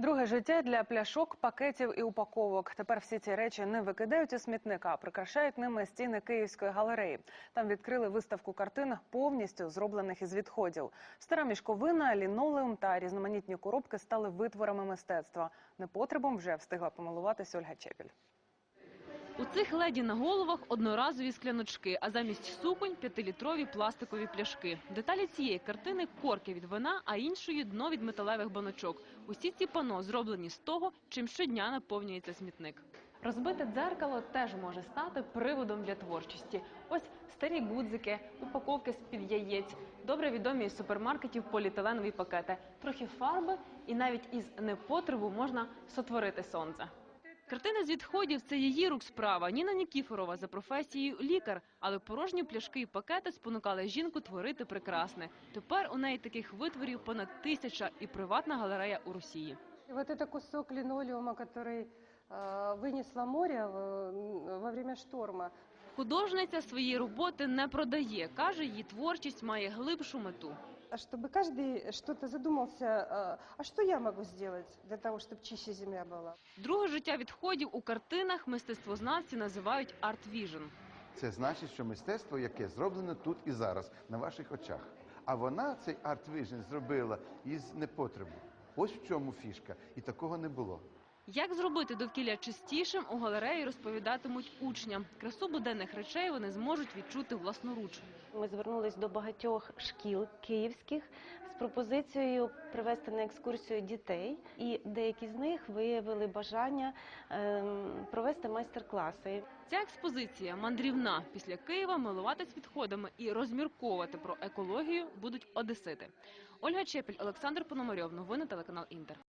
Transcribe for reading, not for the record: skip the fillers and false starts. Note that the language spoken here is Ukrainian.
Друге життя для пляшок, пакетів і упаковок. Тепер всі ці речі не викидають у смітник, а прикрашають ними стіни Київської галереї. Там відкрили виставку картин, повністю зроблених із відходів. Стара мішковина, лінолеум та різноманітні коробки стали витворами мистецтва. Непотребом вже встигла помилуватись Ольга Чепіль. У цих леді на головах одноразові скляночки, а замість суконь – 5-літрові пластикові пляшки. Деталі цієї картини – корки від вина, а іншої – дно від металевих баночок. Усі ці пано зроблені з того, чим щодня наповнюється смітник. Розбите дзеркало теж може стати приводом для творчості. Ось старі гудзики, упаковки з-під яєць, добре відомі із супермаркетів поліетиленові пакети, трохи фарби і навіть із непотребу можна сотворити сонце. Картини з відходів – це її рук справа. Ніна Нікіфорова за професією лікар, але порожні пляшки і пакети спонукали жінку творити прекрасне. Тепер у неї таких витворів понад 1000 і приватна галерея у Росії. Вот это кусок линолеума, который вынесло море во время шторма. Художниця свої роботи не продає. Каже, її творчість має глибшу мету. Чтобы каждый что-то задумался, а что я могу сделать для того, чтобы чище земля была? Друге життя відходів у картинах мистецтвознавці називають арт-віжн. Це значить, що мистецтво, яке зроблено тут і зараз, на ваших очах. А вона цей арт-віжн зробила із непотребу. Ось в чому фішка. І такого не було. Як зробити довкілля чистішим, у галереї розповідатимуть учням. Красу буденних речей вони зможуть відчути власноруч. Ми звернулись до багатьох шкіл київських з пропозицією привезти на екскурсію дітей. І деякі з них виявили бажання провести майстер-класи. Ця експозиція мандрівна. Після Києва милуватись відходами і розмірковувати про екологію будуть одесити. Ольга Чепіль, Олександр Пономарьов. Новини телеканал Інтер.